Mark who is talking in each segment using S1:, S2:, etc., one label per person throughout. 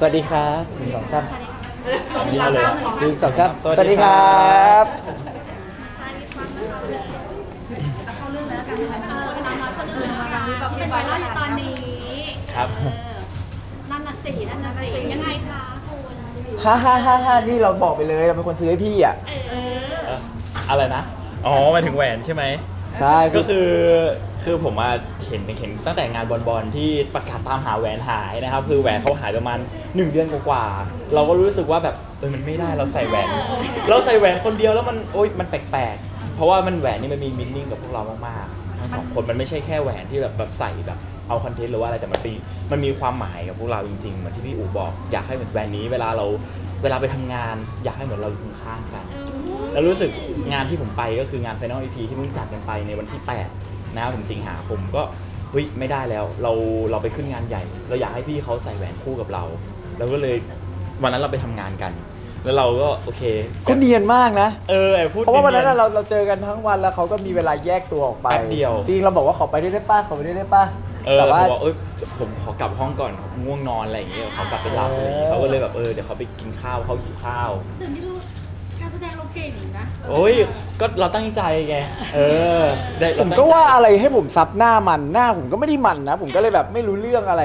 S1: วัสดีครับหนึ่งสองสาม
S2: นี่เลย
S1: หนึ่งสองสาม
S2: สวัสดีครับ
S3: เข้าเรื่องแล้วกันเวลามาคนอื่นมาเป็นไวรัลอยู่ตอนนี้
S2: ครับ
S3: นั่นน่ะสิยังไงคะคุณ
S1: ฮ่านี่เราบอกไปเลยเราเป็นคนซื้อให้พี่อ่ะ
S2: อะไรนะอ๋อหมายถึงแหวนใช่ไหม
S1: ใช่
S2: ก็คือผมมาเห็นตั้งแต่งานบอลที่ประกาศตามหาแหวนหายนะครับคือแหวนเขาหายประมาณ1 เดือนกว่าๆเราก็รู้สึกว่าแบบมันไม่ได้เราใส่แหวนคนเดียวแล้วมันแปลกๆเพราะว่ามันแหวนนี่มันมีมินนิ่งกับพวกเรามากๆทั้งสองคนมันไม่ใช่แค่แหวนที่แบบใส่แบบเอาคอนเทนต์หรือว่าอะไรแต่มันมีความหมายกับพวกเราจริงๆเหมือนที่พี่อู๋บอกอยากให้เหมือนแหวนนี้เวลาไปทำงานอยากให้เหมือนเราอยู่ข้างๆกันแล้วรู้สึกงานที่ผมไปก็คืองาน Final EP ที่เพิ่งจัดกันไปในวันที่8นะครับผมสิงหาคมก็ไม่ได้แล้วเราไปขึ้นงานใหญ่ เราอยากให้พี่เขาใส่แหวนคู่กับเราก็เลยวันนั้นเราไปทำงานกัน แล้วเราก็โอเค
S1: เขาเนียนมากนะ
S2: พูด
S1: เพราะว่าวันนั้นเราเจอกันทั้งวันแล้วเขาก็มีเวลาแยกตัวออกไป
S2: แป๊บเดียว
S1: จริงเราบอกว่าขอไปได้ป้าขอไปได้ป้า
S2: แต่ว่าผมขอกลับห้องก่อนผมง่วงนอนอะไรอย่างเงี้ยเขากลับไปหลับอะไรอย่างเงี้ยเขาก็เลยแบบเดี๋ยวเขาไปกินข้าวเขาหิวข้าว
S3: เดี๋ยวนี้การแสดงเราเก่งนะ
S2: ก็เราตั้งใจไง
S1: ผมก็ว่าอะไรให้ผมซับหน้าผมก็ไม่ได้มันนะผมก็เลยแบบไม่รู้เรื่องอะไร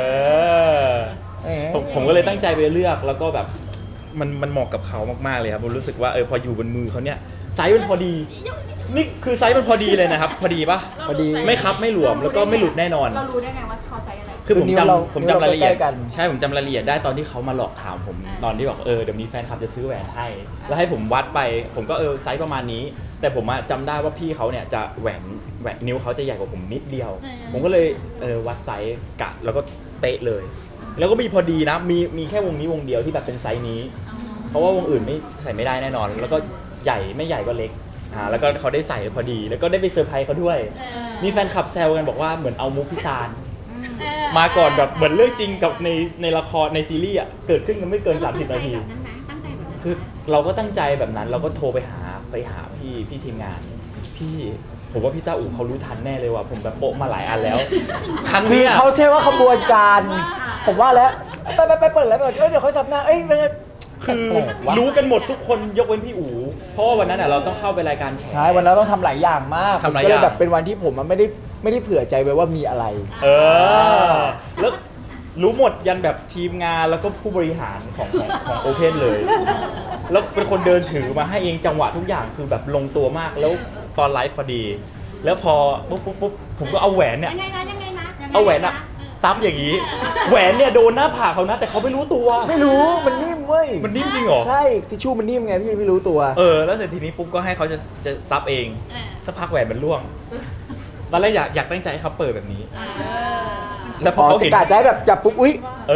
S2: ผมก็เลยตั้งใจไปเลือกแล้วก็แบบมันเหมาะกับเขามากๆเลยครับผมรู้สึกว่าพออยู่บนมือเขาเนี่ยไซส์มันพอดีนี่คือไซส์มันพอดีเลยนะครับพอดีปะ
S1: พอดี
S2: ไม่คับไม่หลวมแล้วก็ไม่หลุดแน่นอน
S3: เรารู้ได้ไงว่าเขาไซส์อะไร
S2: คือผมจำรายละเอียดใช่ผมจำรายละเอียดได้ตอนที่เขามาหลอกถามผมตอนที่บอกเดี๋ยวมีแฟนคลับจะซื้อแหวนให้แล้วให้ผมวัดไปผมก็ไซส์ประมาณนี้แต่ผมจำได้ว่าพี่เขาเนี่ยจะแหวนนิ้วเขาจะใหญ่กว่าผมนิดเดียวผมก็เลยวัดไซส์กะแล้วก็เป๊ะเลยแล้วก็มีพอดีนะมีแค่วงนี้วงเดียวที่แบบเป็นไซส์นี้เพราะว่าวงอื่นไม่ใส่ไม่ได้แน่นอนแล้วก็ใหญ่ไม่ใหญ่ก็เล็กแล้วก็เขาได้ใส่พอดีแล้วก็ได้ไปเซอร์ไพรส์เขาด้วยมีแฟนคลับแซวกันบอกว่าเหมือนเอามุกพิซานมาก่อนแบบเหมือนเรื่องจริงกับในละครในซีรีส์เกิดขึ้นกันไม่เกิน30 นาทีคือเราก็ตั้งใจแบบนั้นเราก็โทรไปหาพี่ทีมงานพี่ผมว่าพี่ต้าอู๋เขารู้ทันแน่เลยว่าผมแบบโปะมาหลายอันแล้วครั้งนี้
S1: เขาใช่ว่าขบวนการผมว่าแล้วไปเปิดแล้วเดี๋ยวเขาซับหน้า
S2: คือรู้กันหมดทุกคนยกเว้นพี่อู๋เพราะว่าวันนั้นเราต้องเข้าไปรายการ
S1: ใช่วันนั้นต้องทำหลายอย่างมากก็เลยแบบเป็นวันที่ผมไม่ได้เผื่อใจไว้ว่ามีอะไร
S2: แล้วรู้หมดยันแบบทีมงานแล้วก็ผู้บริหารของโอเพนเลยแล้วเป็นคนเดินถือมาให้เองจังหวะทุกอย่างคือแบบลงตัวมากแล้วตอนไลฟ์พอดีแล้วพอปุ๊บผมก็เอาแหวนเนี่ยเอาแหวนซับอย่างนี้แหวนเนี่ยโดนหน้าผากเขานะแต่เขาไม่รู้ตัว
S1: ไม่รู้มันนิ่มเว้ย
S2: มันนิ่มจริงเหรอ
S1: ใช่ทิชชู่มันนิ่มไงพี่ไม่รู้ตัว
S2: แล้วเสร็จทีนี้ปุ๊บก็ให้เขาจะซับเองสักพักแหวนมันร่วงตอนแรกอยากตั้งใจให้เขาเปิดแบบนี้
S1: แล้วพอเขาเห็นกะใจแบบจับปุ๊บอุ๊ย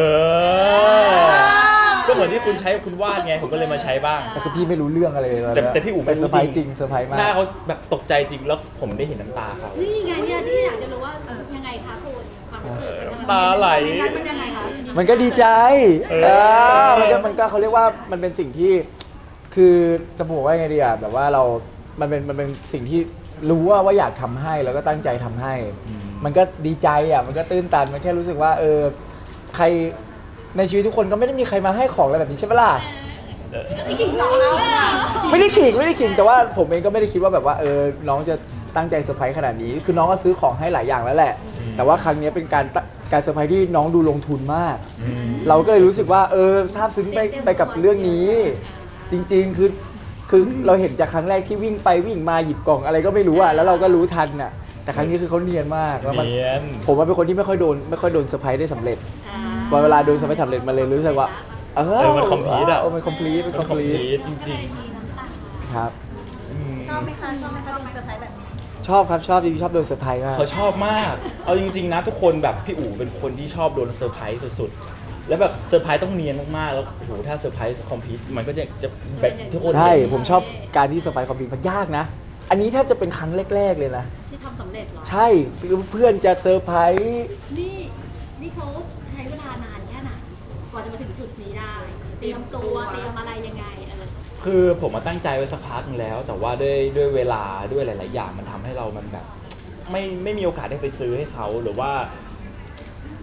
S2: ก็เหมือนที่คุณใช้คุณวาดไงผมก็เลยมาใช้บ้าง
S1: แต่คือพี่ไม่รู้เรื่องอะไรเลย
S2: แต่พี่อู๋
S1: เป็นเซอร์ไพรส์จริงเซอร์ไพรส์มาก
S2: หน้าเขาแบบตกใจจริงแล้วผมได้เห็นน้ำตาเขา
S3: นี่ไงเนี่ยที่อยากจะรู้ว่ายังไงคะคุณความรู้สึก
S2: น้ำตาไหล
S3: มันยังไงคะ
S1: มันก็ดีใจมันก็เขาเรียกว่ามันเป็นสิ่งที่คือจะบอกว่าไงดีอ่ะแบบว่ามันเป็นสิ่งที่รู้ว่าอยากทำให้แล้วก็ตั้งใจทำให้มันก็ดีใจอ่ะมันก็ตื้นตันมันแค่รู้สึกว่าใครในชีวิตทุกคนก็ไม่ได้มีใครมาให้ของอะไรแบบนี้ใช่ไหมล่ะ
S3: ไม่ขิงหรอ
S1: ไม่ได้ขิงแต่ว่าผมเองก็ไม่ได้คิดว่าแบบว่าน้องจะตั้งใจเซอร์ไพรส์ขนาดนี้คือน้องก็ซื้อของให้หลายอย่างแล้วแหละแต่ว่าครั้งนี้เป็นการเซอร์ไพรส์ที่น้องดูลงทุนมากเราก็เลยรู้สึกว่าซาบซึ้งไปกับเรื่องนี้จริงๆคือเราเห็นจากครั้งแรกที่วิ่งไปวิ่งมาหยิบกล่องอะไรก็ไม่รู้อ่ะแล้วเราก็รู้ทันอ่ะแต่ครั้งนี้คือเขาเนียนมากแล้วผมว่าเป็นคนที่ไม่ค่อยโดนเซอร์ไพรส์ได้สำเร็จพอเวลาโดนเซอร์ไพรส์สำเร็จมาเลยรู้สึกว่า
S2: มันคอมพลีทอ่ะ
S1: มันคอมพลีท
S2: จริง
S1: ๆครับ
S3: ชอบไหมคะโดนเซอร์ไพรส์แบบนี้
S1: ชอบครับชอบจริงๆชอบโดนเซอร์ไพรส์มาก
S2: เขาชอบมากเอาจริงๆนะทุกคนแบบพี่อู๋เป็นคนที่ชอบโดนเซอร์ไพรส์สุดๆแล้วแบบเซอร์ไพรส์ต้องเนียนมากๆแล้วโอ้โหถ้าเซอร์ไพรส์คอมพลีทมันก็จะแบบทุกคน
S1: ใช่ผมชอบการที่เซอร์ไพรส์คอมพลีทมันยากนะอันนี้แทบจะเป็นครั้งแรกๆเลยนะ
S3: ที่ทำสำเร็จหรอ
S1: ใช่เพื่อนจะเซอร์ไพรส์
S3: นี่เขาใช้เวลานานแค่ไหนกว่าจะมาถึงจุดนี้ได้เตรียมตัวเตรียมอะไรยังไง
S2: คือผมมาตั้งใจไว้สักพักนึงแล้วแต่ว่าด้วยเวลาด้วยหลายๆอย่างมันทำให้เรามันแบบไม่มีโอกาสได้ไปซื้อให้เขาหรือว่า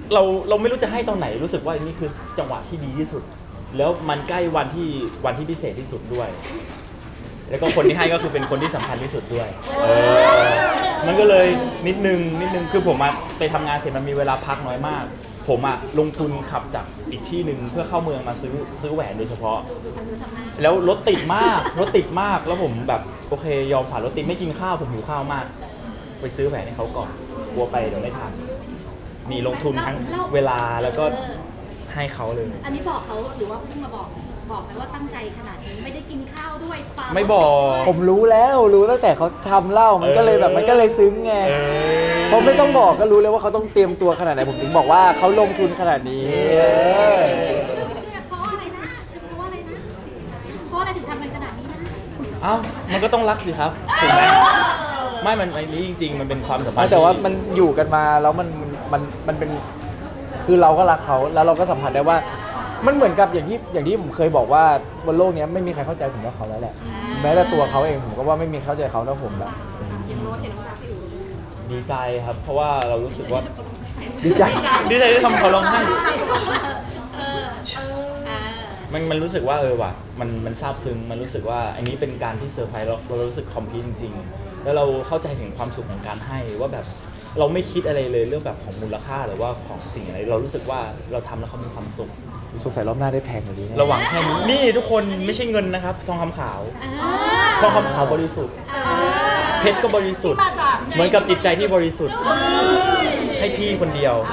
S2: เราไม่รู้จะให้ตอนไหนรู้สึกว่านี่คือจังหวะที่ดีที่สุด แล้วมันใกล้วันที่พิเศษที่สุดด้วย แล้วก็คนที่ให้ก็คือเป็นคนที่สำคัญที่สุดด้วยมันก็เลยนิดนึงคือผมมาไปทำงานเสร็จมันมีเวลาพักน้อยมาก ผมอะลงทุนขับจากอีกที่หนึ่งเพื่อเข้าเมืองมาซื้อแหวนโดยเฉพาะ แล้วรถติดมากแล้วผมแบบโอเคยอมฝ่ารถติดไม่กินข้าวผมหิวข้าวมาก ไปซื้อแหวนให้เขาก่อนกลัวไปเดี๋ยวไม่ทันมีลงทุนทั้งเวลาแล้วก็ให้เขาเลย
S3: อันนี้บอกเขาหรือว่าเพิ่งมาบอกไหมว่าตั้งใจขนาดนี้ไม่ได้กินข้าวด้วยฟ้า
S2: ไม่บอก
S1: ผมรู้ตั้งแต่เขาทำเหล้ามันก็เลยแบบมันก็เลยซึ้งไงผมไม่ต้องบอกก็รู้เลยว่าเขาต้องเตรียมตัวขนาดไหนผมถึงบอกว่าเขาลงทุนขนาดนี้
S3: เพราะอะไรนะเพราะอะไรนะเพราะอะไรถึงทำกันขนาดนี้นะ
S2: เอ้ามันก็ต้องรักสิครับถูกไหมไม่มันไอ้นี้จริงๆมันเป็นความสัมพันธ์
S1: แต่ว่ามันอยู่กันมาแล้วมันเป็นคือเราก็รักเขาแล้วเราก็สัมผัสได้ว่ามันเหมือนกับอย่างที่ผมเคยบอกว่าบนโลกนี้ไม่มีใครเข้าใจผมเท่าเขาแล้วแหละแม้แต่ตัวเขาเองผมก็ว่าไม่มีเข้าใจเขาเท่าผมแล้ว
S3: ยังรถเห็นว่าพี่อู๋
S2: ดีใจครับ เพราะว่าเรารู้สึกว่า
S1: ดีใจ
S2: ดีใจที่ทำเขาร้องไห้
S3: อ่า
S2: มันรู้สึกว่าว่ะมันซาบซึ้งมันรู้สึกว่าอันนี้เป็นการที่เซอร์ไพรส์เรารู้สึกคอมพลีทจริงๆแล้วเราเข้าใจถึงความสุขของการให้ว่าแบบเราไม่คิดอะไรเลยเรื่องแบบของมูลค่าหรือว่าของสิ่งอะไรเรารู้สึกว่าเราทำแล้วเขามีความสุข
S1: สงสัยรอบหน้าได้แพงกว่านี้นะ
S2: ระหว่างแค่นี้นี่ทุกคนไม่ใช่เงินนะครับทองคำขาวทองคำขาวบริสุทธิ์เพชรก็บริสุทธิ์เหมือนกับจิตใจที่บริสุทธิ์ให้พี่คนเดียว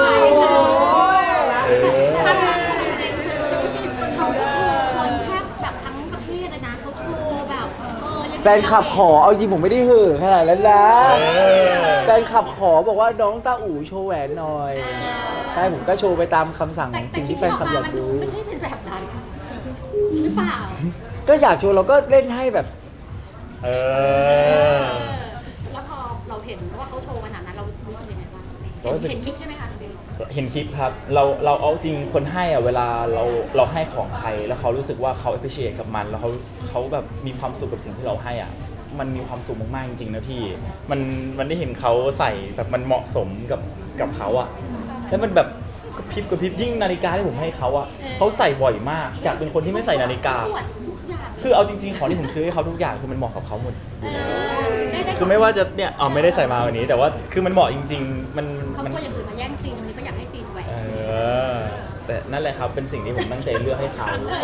S3: เขาโชว์คนแทบแบบทั้งประเทศเลยนะเขาโชว์แบบ
S1: แฟนคลับขอเอาจริงผมไม่ได้เห่อขนาดนั้นนะแฟนคลับขอบอกว่าน้องต้าอู๋โชว์แหวนหน่อยใช่ผมก็โชว์ไปตามคำสั่งสิ่งที่แฟนคลับอยากดู
S3: ไม่ใช่เป็นแบบนั้นหรือเปล่า
S1: ก็อยากโชว์เราก็เล่นให้แบบ
S3: แล้วพอเราเห็นว่าเขาโชว์ขนาดนั้นเรารู้สึกยังไงบ้างเห็นคลิปใช่ไหมคะ
S2: เห็นคลิปครับเราเอาจริงคนให้อะเวลาเราให้ของใครแล้วเขารู้สึกว่าเขา appreciate กับมันแล้วเขาแบบมีความสุขกับสิ่งที่เราให้อ่ะมันมีความสุขมากๆจริงๆนะพี่มันได้เห็นเขาใส่แบบมันเหมาะสมกับเขาอ่ะแล้วมันแบบกระพริบยิ่งนาฬิกาที่ผมให้เขาอ่ะเขาใส่บ่อยมากจากเป็นคนที่ไม่ใส่นาฬิกาคือเอาจริงๆของที่ผมซื้อให้เขาทุกอย่างคือมันเหมาะกับเขาหมดคือไม่ว่าจะเนี่ยไม่ได้ใส่มาวันนี้แต่ว่าคือมันเหมาะจริงๆมัน
S3: เขาตัวอย่างอื่นมาแย่งซีนนี้ก็อยากให้ซีนแหวน
S2: แต่นั่นแหละครับเป็นสิ่งที่ผมตั้งใจเลือกให้เขา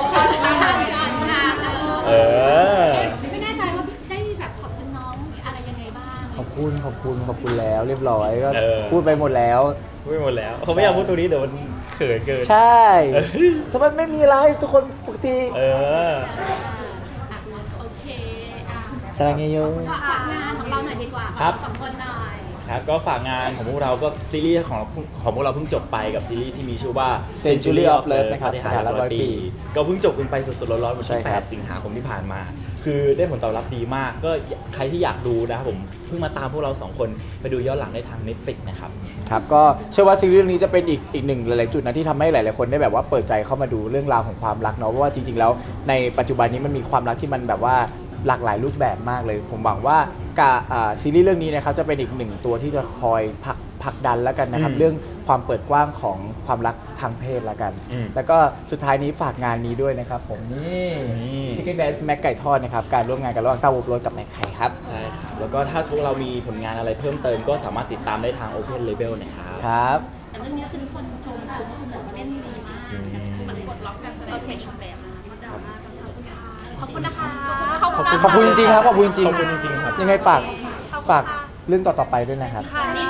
S3: ไม่แน่ใจว่าได้แบบขอบคุณน้องอะไรยังไงบ้าง
S1: ขอบคุณแล้วเรียบร้อยก็พูดไปหมดแล้ว
S2: เขาไม่อยากพูดตรงนี้เดี๋ยวมันเขินเกิน
S1: ใช่สมัยไม่มีอะไรทุกคนปกติ
S3: โอเค
S1: สร้างเยอะ
S3: ฝากงานของเราหน่อยดีกว่าสองคนหน่อย
S2: ครับก็ฝากงานของพวกเราก็ซีรีส์ของพวกเราเพิ่งจบไปกับซีรีส์ที่มีชื่อว่า
S1: Century of Love นะครับ
S2: ที่หายร้อยปีก็เพิ่งจบกันไปสดๆร้อนๆวันที่8สิงหาคมที่ผ่านมาคือได้ผลตอบรับดีมากก็ใครที่อยากดูนะครับผมเพิ่งมาตามพวกเรา2คนไปดูย้อนหลังได้ทาง Netflix นะครับ
S1: ครับก็เชื่อว่าซีรีส์นี้จะเป็นอีกหนึ่งหลายๆจุดนะที่ทำให้หลายๆคนได้แบบว่าเปิดใจเข้ามาดูเรื่องราวของความรักเนาะเพราะว่าจริงๆแล้วในปัจจุบันนี้มันมีความรักที่มันแบบว่าหลากหลายรูปแบบมากเลยผมหวังว่าซีรีส์เรื่องนี้นะครับจะเป็นอีกหนึ่งตัวที่จะคอยผลักดันแล้วกันนะครับเรื่องความเปิดกว้างของความรักทางเพศแล้วกันแล้วก็สุดท้ายนี้ฝากงานนี้ด้วยนะครับผมนี่ Chicken Dance แม็กไก่ทอดนะครับการร่วมงานกันระหว่างต้าวูบโรสกับแม็กไข่ครับ
S2: ใช่ครับแล้วก็ถ้าพวกเรามีผลงานอะไรเพิ่มเติมก็สามารถติดตามได้ทาง Open Label นะครับ
S1: ครับ
S3: แต่เรื่องนี้คือทุกคนชมว่าคุณหมอเล่นดีมากมันกดล็อกกันโอเคอีกแบบขอบคุณนะคะ
S1: ขอบคุณจริงๆครับขอบคุณจริง
S2: ๆครับ
S1: ยังไงฝากเรื่องต่อๆไปด้วยนะครับ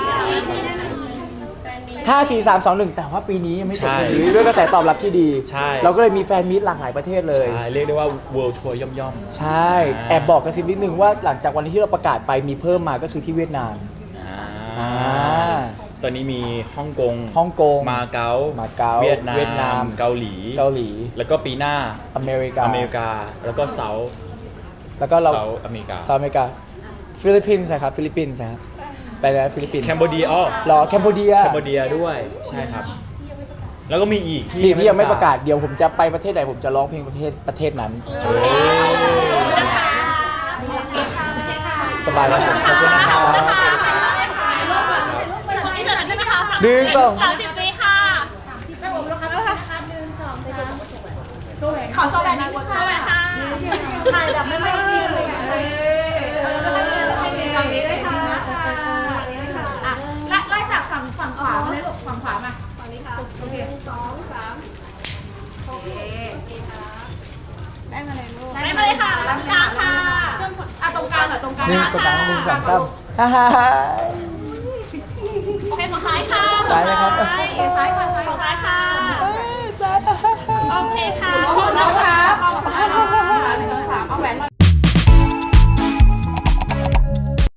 S1: ถ้า4 3 2 1แต่ว่าปีนี้ยังไม่จบด้วยกระแสตอบรับที่ดีเราก็เลยมีแฟนมีตหลากหลายประเทศเลย
S2: ใช่เรียกได้ว่า World Tour ย่อม
S1: ๆใช่แอบบอกกระซิบนิดนึงว่าหลังจากวันที่เราประกาศไปมีเพิ่มมาก็คือที่เวียดนาม
S2: ตอนนี้มีฮ่องกงมาเก๊าเวียดนามเกาหลีแล้วก็ปีหน้า
S1: อเมริกา
S2: แล้วก็เซาท์อเมริกา
S1: ฟิลิปปินส์นะครับฟิลิปปินส์นะครับไปแล้วฟิลิปปินส์
S2: แคนเบเดีย
S1: รอแคนเบเดีย
S2: ด้วยใช่ครับแล้วก็มีอีก
S1: ที่ยังไม่ประกาศเดี๋ยวผมจะไปประเทศไหนผมจะร้องเพลงประเทศนั้นสบายแล้วขอบคุณนะครับ1 2 3
S3: โชว์แบบนี้ค่ะถ่ายแบบไม่ไม่ดีเลยฝั่งนี้ด้วยค่ะอ่ะไล่จากฝั่งขวาเลยลูกฝั่งขวามาฝั่งนี้ค่ะโอเค2 3โอเคได้มาเลยลูกได้มาเลยค่ะตรงกลางค่ะอ่ะตรงกลางค่ะตรงกลาง
S1: นี่กระตังหนึ่งสองสามฮ่าฮ่าฮ่า
S3: โอเคฝั่งซ้ายค่ะ
S1: ซ้ายนะครับ
S3: ซ้ายค่ะซ้ายค่ะ
S1: ซ้าย
S3: โอเคค่ะขอบคุณนะคะ